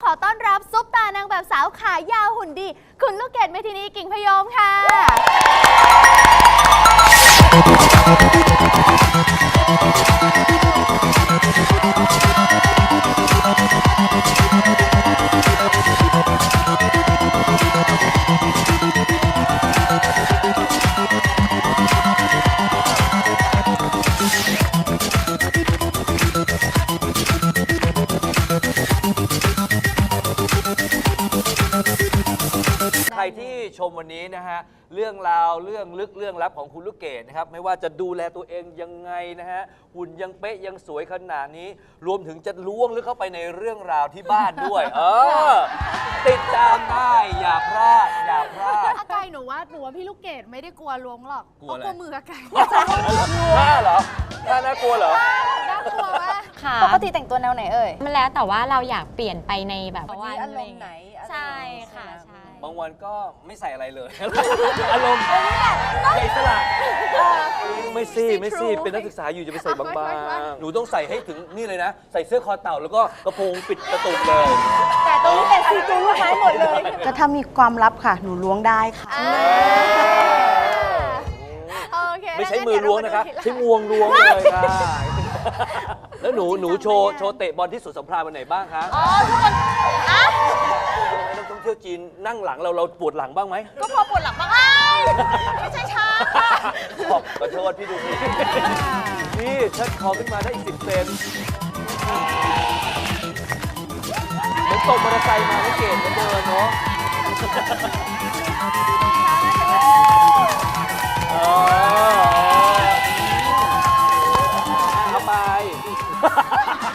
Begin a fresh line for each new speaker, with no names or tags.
อต้อนรับซุปตานางแบบสาวขายาวหุ่นดีคุณลูกเกดเมธินีกิ่งพยมค่ะ
ใครที่ชมวันนี้นะฮะเรื่องราวเรื่องลึกเรื่องลับของคุณลูกเกดนะครับไม่ว่าจะดูแลตัวเองยังไงนะฮะหุ่นยังเป๊ะยังสวยขนาดนี้รวมถึงจะล้วงลึกเข้าไปในเรื่องราวที่บ้านด้วยติดตามได้อย่าพลาดอย่าพลาด
อากายหนูว่าพี่ลูกเกดไม่ได้กลัวล้วงหรอก
กลัวอะไร
กลัวมืออากาย
น่าเหรอน่ากลัวเหรอ
น่ากลัวมาก
ค่ะ
ปกติแต่งตัวแนวไหนเอ่ย
มันแล้วแต่ว่าเราอยากเปลี่ยนไปในแบบ
วันนี้อารมณ์ไหน
ใช่ค่ะใช่
บางวันก็ไม่ใส่อะไรเลย อารมณ์อิสระไม่ซี่เป็นนักศึกษาอยู่จะไปใส่บางๆหนูต้องใส่ให้ถึงนี่เลยนะใส่เสื้อคอเต่าแล้วก็กระโปรงปิดกระตุกเลย
แต่ตรงนี้เป็นซีจูลูกไม้หมดเลยก็ถ้ามีความลับค่ะ หนูล้วงได้ค่ะ
โอเค
ไม่ใช้มือล้วงนะคะใช้งวงล้วงเลยค่ะแล้วหนูโชว์เตะบอลที่สุดสำราญวันไหนบ้างคะอ๋อทุกคนนักท่องเที่ยวจีนนั่งหลังเราปวดหลังบ้างไหม
ก็พอปวดหลังบ้างไม่ใช่ช้า
ขอโทษพี่ดูสิพี่เชิดคอขึ้นมาได้อีก10 เซนเหมือนตกมอเตอร์ไซค์มาไม่เก่งเหมือนเดินเนาะเอาไป